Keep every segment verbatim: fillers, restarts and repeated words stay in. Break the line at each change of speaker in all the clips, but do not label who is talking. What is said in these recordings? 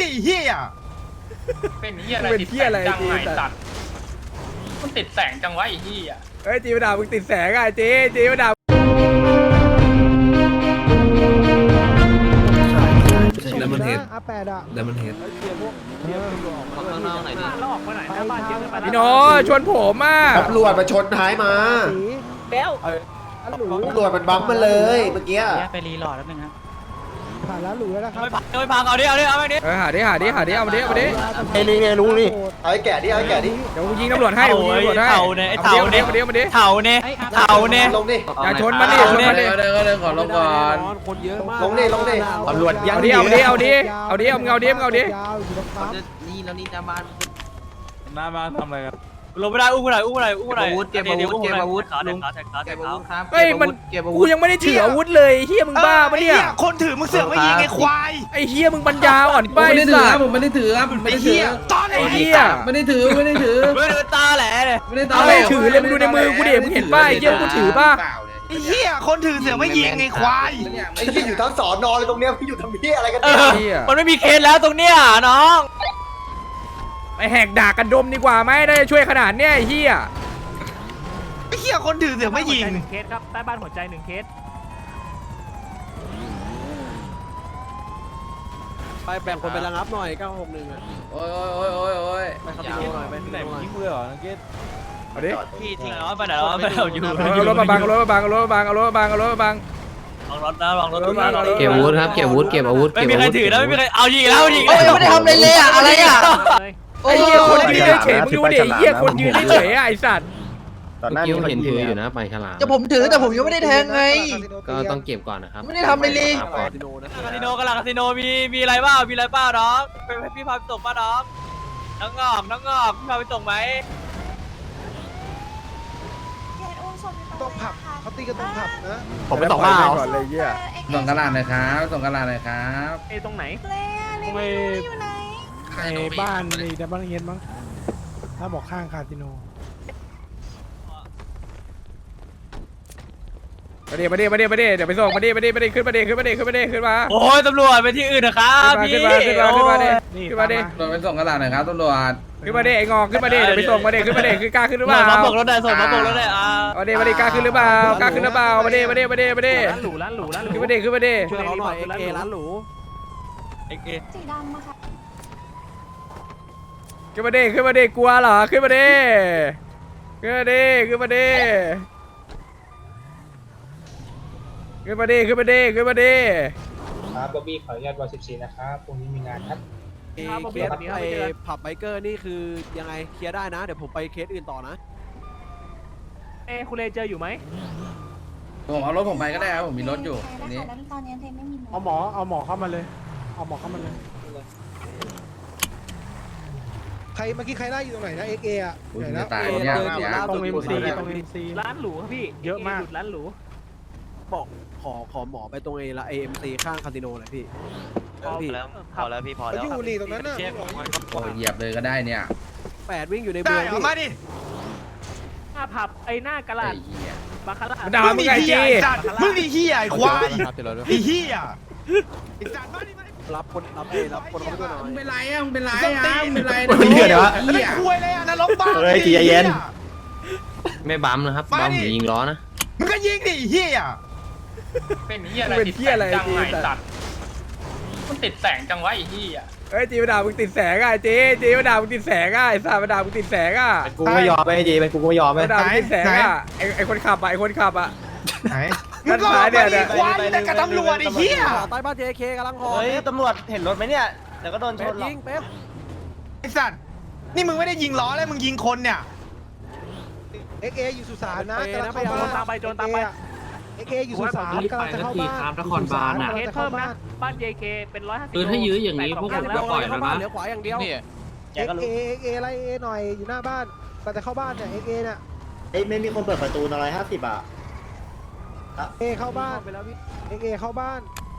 เฮีย
เป็นเฮียอะไรติดแสงจังไหนสัตว์มันติดแสงจังวะไอ้เฮีย
เฮ้ยจีมาด่ามึงติดแสงอ่ะจีจีมาด่าดัมเบิลเฮดอาแปดอ่ะดัมเบิลเฮดพี่โน้ชวนผมอ่ะ
ตำรวจมาชนท้ายมาแล้วตำรวจมันบัมมาเลยเมื่อกี้
ไปรีหลอดแล้วนึงครับ
ผ่านแล้วหลุยแล้วนะครับ
ไม่พังเอาดิเอาดิเอาดิ
เออหาดิหาดิหาดิเอามาดิเอามาดิ
ไอ้นี่ไงลุงนี่เอาไอ้แก่ดิเอาไอ้แก่ดิ
เดี๋ยวกูยิงตำรวจให้กูยิงตำรวจให้
เต่าเนี่ยเต่าเนี่ย
มาดิมาดิ
เต่าเนี่ยเต่าเนี่ย
ลงดิ
อย่าชนมันดิชนมันดิ
เดี๋ยวก็เลยขอลงก่อน
คนเยอะมาก
ลงดิลงดิตำรวจยั
เอา
ง
ดิเอาดิเอาดิเอาดิเอาเงาดิเอาดิ
นี่แล้วนี่จะมา
หน้าบ้านทำอะไรกัน
ลงไม่ได้อุ้มไม่ได้อุ้มไม่ได้อุ้มไม่ได้เก็บอาวุธเก็บอาวุธขาแทงขาแทงขาแทงขา
เฮ้ยมันกูยังไม่ได้ถืออาวุธเลยเฮียมึงบ้าปะเนี่ย
คนถือมึงเสือกไม่ยิงไอ้ควาย
ไอ้เฮียมึงปัญญาอ่อน
ผม
ไป
ไม่ได้ถือ
สั
ค
ต
รับ
ว์
ผมไม่ได้ถือครับผมไม่ได้ถือ
ตอนไหน
ไอ้เฮีย
ไม่ได้ถือไม่ได้ถือ
ไม่ดูตาแหละเลย
ไม่ได้
เอาไม่ถือเลยมึงดูในมือกูดิมึงเห็นป้ายเฮียกูถือป่ะ
ไอ้เฮียคนถือเสือกไม่ยิงไอ้ควาย
ไอ้ที่อยู่ทั้งสอนอเลยตรงเนี้ยพี่อยู่ทำเพี้ยอะไรกัน
เอ
เนี่ย
อมันไม่มีเคสแล้วตรงเนี้ยน้อง
ไปแหกด่ากันดมดีกว่าไหมได้ช่วยขนาดเนี้ยไอ้เฮีย
ไอ้เฮียคนถือเสือกไม่ยิง
เคสครับใต้บ้านหัวใจหนึ่งเคส
ไปแบ่งคนไประงับหน่อยเก้าหกหนึ่งอ่ะ
โอ้ยโอ้ยโอ้ยโอ้ย
ไปคาสิโนหน่อยไปคาสิโนหน่อย
ยิงมือเหรอนักเก็ต
เอาดิ
พี่ทิ้งแล้วไปไหนแล้วไปไหนอยู่
เอารถมาบังเอารถมาบังเอารถมาบังเอารถมาบังเอารถมาบัง
ลองรถนะลองรถ
เก็บอาวุธครับเก็บอาวุธเก็บอาวุธ
ไม่มีใครถือนะไม่มีใครเอายิงแล้วยิง
โอ้ยไม่ได้ทำอะไรเลยอ่ะอะไรอ่ะ
ไอ้เฮียคนยืนเฉยๆมึงดูดิไอ้เฮียคนยืนเฉยๆอ่ะไอ้สัตว์
เมื่อกี้ผมเห็นถืออยู่นะไปฉลาม
จะผมถือแต่ผมยังไม่ได้แทงไง
ก็ต้องเก็บก่อนนะครับ
ไม่ได้ทำอะไรเลย
ครับก่อน
คาสิโนนะ
คาสิโนกันละคาสิโนมีมีอะไรบ้างมีอะไรบ้างน้องเป็นพี่พาไปส่งป่ะน้องน้องงอกน้องงอกพี่พาไปส่งไหม
ต้องผับเขาตีกันตรงผับนะ
ผมไปต่อมาก่อนเลยเฮีย
ส่งกระดาษหน่อยครับส่งกระดาษหน่อยครับ
เอตรงไหน
ตรงไอ้ในบ้านในดับเบิลเฮดมั้งถ้าบอกข้างคาสิโน
มาดิมาดิมาดิมาดิเดี๋ยวไปส่งมาดิมาดิมาดิขึ้นมาดิขึ้นมาดิขึ้นมาดิขึ้นมา
โอ้ยตำรวจไปที่อื่นนะครับพี่
ขึ้นมาขึ้นมาขึ้นมาดิ
นี่
ขึ้นมาดิ
ตำรวจไปส่งกระดาษหน่อยครับตำรวจ
ขึ้นมาดิไอ้งอกขึ้นมาดิเดี๋ยวไปส่งมาดิขึ้นมาดิคือกล้าขึ้นหรือเปล่า
มาบอกรถได้ส่งมาบอกรถได้อ่า
มาดิมาดิกล้าขึ้นหรือเปล่ากล้าขึ้นหรือเปล่ามาดิมาดิมาดิมาดิ
ร้านหรูร้านหรูร้านหรู
ขึ้นมาดิขึ้นมาดิ
ช่วยเขาหน่อยเอเอร้านหรู
เอ็กเอ
สีดำอะค่ะ
ขึ้นมาดิขึ้นมาดิกลัวเหรอขึ้นมาดิขึ้นมาดิขึ้นมาดิขึ้นมาดิขึ้นมาดิขึ้นมาดิ
ครับบ๊อบบี้ขออนุญาตวันสิบสี่นะครับพรุ่งนี้มีงานครับ
เคสไอ้ผับไบเกอร์นี่คือยังไงเคลียร์ได้นะเดี๋ยวผมไปเคสอื่นต่อนะ
เอ้คุณเลเจออยู่ไหม
ผมเอารถผมไปก็ได้ครับผมมีรถอยู่
ใช่
อัน
แล้
นี้
วค่ะแล้วตอนนี้เทนไม่มี
เอาหมอเอาหมอเข้ามาเลยเอาหมอเข้ามาเลย
ใครเมื่อกี้ใครได้อยู่ตรงไหนนะเอ็กเออ่ะ
อุ้ยจะตายเนี่ยเนี่ย
ตรงเอ็มซีตรงเอ็มซี
ร้านหรูครับพี่
เยอะมาก
หดร้านหรู
บอกขอขอหมอไปตรงเอละเอ็มซีข้างคาสิโนหน่อยพี่
พอแล้วพอแล้วพี่พอแล้ว
อยู่นี่ตรงนั้นน่ะ
โอ้ยเหยียบเลยก็ได้เนี่ย
แปดวิ่งอยู่ใน
ได้
เมือง
เอา
พี่
มาดิ
หน้าผับไอ้หน้ากระลา
ไอ้
ด
เหี้ย
บาคาร่า
ด่ามึงไงจี
มึงนี่เฮียไอ้ควายไอ้เฮียไอ้สัตว์มาดิมาดิ
รับคนรับเอรับคนเข้าไปด้วยหน่อย
มึงเป็นไรอ่ะมึงเป็นไรอ่ะมึงเป็นไร
มึงเหี้ยเดี๋ยวแล้วไม่คุยเลยอ่ะนรกบ้า
เฮ้ยใจเย็น ไม่บัมนะครับบัมหรือยิงล้อนะ
มึงก็ยิงดิเฮีย
เป็นเฮียอะไรติดแสงจังไหนสัตว์มันติดแสงจังวะไอ้เฮีย
เฮ้ยจีมาด่ามึงติดแสงอ่ะจีจีมาด่ามึงติดแสงอ่ะไอ้สัตว์มาด่ามึงติดแสงอ่ะ
กูไม่ยอมไปจีไปกูไม่ยอมไป
มาด่ามึงติดแสงอ่ะไอ้ไอ้คนขับอ่ะไอ้คนขับอ่ะ
ไหนมึงก็มาดิควายแต่กับตำรวจไอ้เฮีย
ใต้บ้านเจเคกำลังหอ
เฮ้ยตำรวจเห็นรถไหมเนี่ยเดี๋ยวก็โดนช
เป๊ป
นหรอก
ยิงเป๊ป
ไอ้สัตว์นี่มึงไม่ได้ยิงล้อแล้วมึงยิงคนเนี่ย
เอ็กเออยู่สุสานนะกำลัง
ไป
เข้า
โจ
บ้าน น
ตามไปโจนตามไป
เอ็กเออยู่สุสานกำลังจะเข้าบ้าน
เคสเพิ่มนะบ้าน เจ เค เป็นร้อยห้าสิบ
คือถ้ายื้ออย่างนี้พวกผมจะปล่อยแล้วนะ
เหลือขวาอย่างเดียวเอ็กเอเอ็กเอไล่เอหน่อยอยู่หน้าบ้านแต่จะเข้าบ้านเนี่ยเอ็กเอเนี่ย
เอ้ยไม่มีคนเปิดประตูอะไรห้าสิบอ่ะ
เอเข้าบ้านไปแล้วพี่เอ็กเอเข้าบ้าน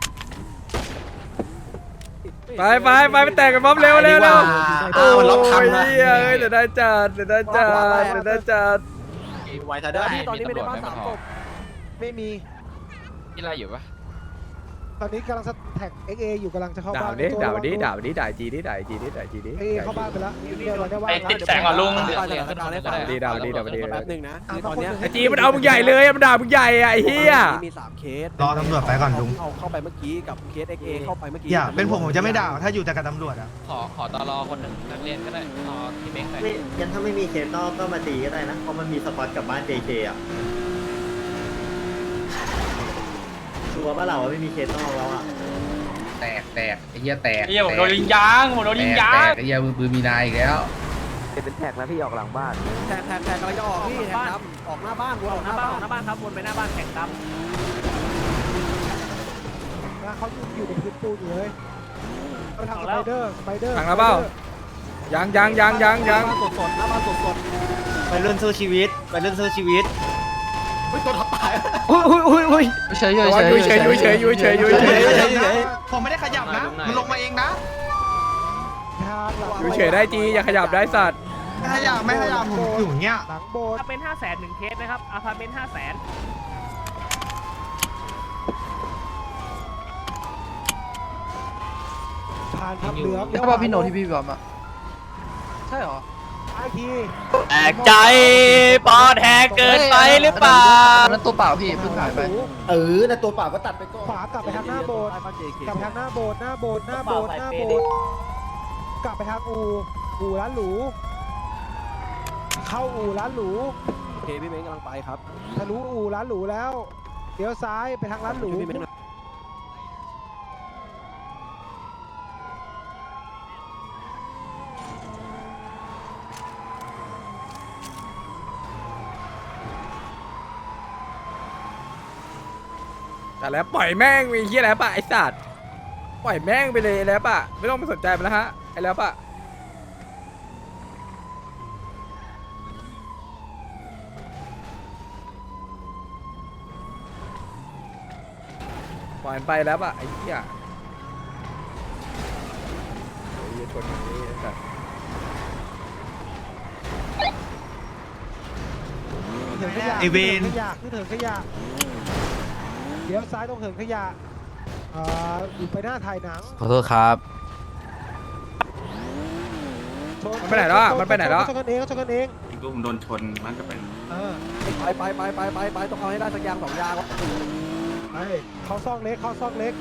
ไปไปไปไปแต่งกันบ๊อบเร็วเร็วเร็วโอ้ยเฮ้ยเดี๋ยวได้จัดเดี๋ยวได้จัดเดี๋ยวได้จัด
ไวทัน
เดี๋
ได้
ยวพี่ตอนนี้ไม่ได้บ้านสามศพไม่มี
ที่ไรอยู่ปะ
ตอนนี้กำลังแท็ก เอ็กซ์ เอ อยู่กำลังจะเข้า
ด่า
บ้าน
ดิด่าดิด่าดิด่าจีดิด่าจีดิด่าจีดิ
เอ็กซ์ เอ เข้าบ้านไปแล้วเดี๋ยวเราได้ว่า
ไอ้ติดแสงอ่ะลุง
ไปสถานการณ์ให้ฟัง
ดีด่าดิด่าดิ
แป๊บนึงนะคือตอนเนี้ย
ไอจีมันเอามึงใหญ่เลยมันด่ามึงใหญ่อะไอ้เหี้ย
มีสามเคส
รอตำรวจไปก่อนลุง
เอาเข้าไปเมื่อกี้กับเคส เอ็กซ์ เอ เข้าไปเมื่อกี้
อย่าเป็นผมผมจะไม่ด่าถ้าอยู่แต่กับตำรวจอ่ะ
ขอขอตลอคนหนึ่งนักเรียนก็ได้ขอพี่เม้งหน่อย
ไม่งั้นถ้าไม่มีเคสนอกก็มาตีก็ได้นะเพราะมันมีสปอตกับบ้าน เจ เค อ่ะชัวร์ป่ะเราว่าไม่มีเคสนอกแล้วอ่ะ
แตกแตกไอ้เหี้ยแตก
ไอ้เหี้ยผมโดนยิงยางผมโดนยิงยาง
แตกไอ้เหี้ยมือปืนมีนายอีกแล้ว
เป็นแท็กนะพี่ออกหลังบ้านแท็กแท็กแท็กกำลังจะออกพี่แท็กดำออกหน้าบ้านวนออกหน้าบ้านออกหน้าบ้านครับวนไปหน้าบ้านแท็กดำ
นะเขาอยู่ในพื้นปูนอยู่เลยเขาทางสไปเดอร์สไปเดอร์
ทางแล้วเปล่ายังยังยังยังยัง
สดสดหน้าบ้านสดสด
ไปเรื่องสู้ชีวิตไปเรื่องสู้ชีวิต
เฮ้ยตัวทับตาย
อุ้ยอุ้ยอุ้ยอุ้ย
เฉยเฉย
อยู่เฉยอยู่เฉยอยู่เฉยอยู่เฉย
ผมไม่ได้ขยับนะมันลงมาเองนะ
ทางหลัง
อยู่เฉยได้จีอย่าขยับได้สัตว์
ไม่ขยับไม่ขยับผมอยู่อย่างเงี้ย
หลังโบสถ์
ถ้าเป็นห้าแสนหนึ่งเคสนะครับอาพาร์ตเมนต์ห้าแสน
ผ่านทับเหลือง
ใช่ป่ะพี่โนที่พี่บอมอ่ะใช่หรอ
ไอที
แตกใจปอดแหกเกินไปหรือเปล่า
นั่นตัวเปล่าพี่เพิ่งหายไป
เออนะตัวเปล่าก็ตัดไปก่อน
ขวากลับไปทางหน้าโบสถ์
บ้าน เจ เค
กลับไปทางหน้าโบสถ์หน้าโบสถ์หน้าโบสถ์หน้าโบสถ์กลับไปทางอู่อู่ร้านหรูเข้าอู่ร้านหรู
โอเคพี่เม้งกำลังไปครับ
ทะลุอู่ร้านหรูแล้วเลี้ยวซ้ายไปทางร้านหรู
พี่เม้งหน่อย
แต่แล้วปล่อยแม่งมีเหี้ยแล้วปะไอ้สัตว์ปล่อยแม่งไปเลยแล้วปะไม่ต้องไปสนใจมันแล้วฮะไอ้แล้วปะปล่อยมันไปแล้วปะไอ้เหี้ยไอ้เหี้ยชนอย่างนี้ไอ้สัตว์
เถิงขยะ
ไอ้เวร
ขยะขึ้นเถิงขยะเลี้ยวซ้ายตรงเถิงขยะอ่าอยู่ไปหน้าถ่ายหนัง
ขอโทษครับ
ชน
มันไปไหนแล้วอะมันไปไหนแล้ว
ชนกันเองชนกันเอง
กูผมโดนชนมันจะเป็น
เออ
ไปไปไปไปไปไปต้องเอาให้ได้สักอย่างสองอย่างวะ
ไปเขาซองเล็กเขาซองเล็ก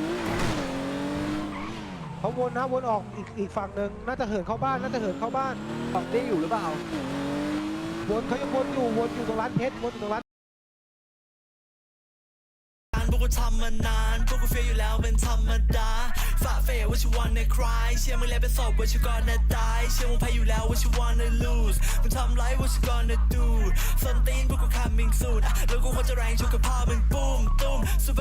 เขาวนนะวนออกอีกอีกฝั่งหนึ่งน่าจะเหินเข้าบ้านน่าจะเหินเข้าบ้าน
ฝั่งนี้อยู่หรือเปล่า
วนเขายังวนอยู่วนอยู่ตรงร้านเพชรวนอยู่ตรงร้าน
พวกกูทำมานานพวกกูเฟียอยู่แล้วเป็นธรรมดาฝ่าเฟยว่าชิวันในคลายเชื่อมึงแล้วเป็นศพว่าชิวก่อนนะตายเชื่อมึงแพ้อยู่แล้วว่าชิวันใน lose มึงทำไรว่าชิวันใน do ส้นตีนพวกกู coming soon แล้วกูควรจะแรงชุกกับพ่อมึงปุ้มตุ้ม super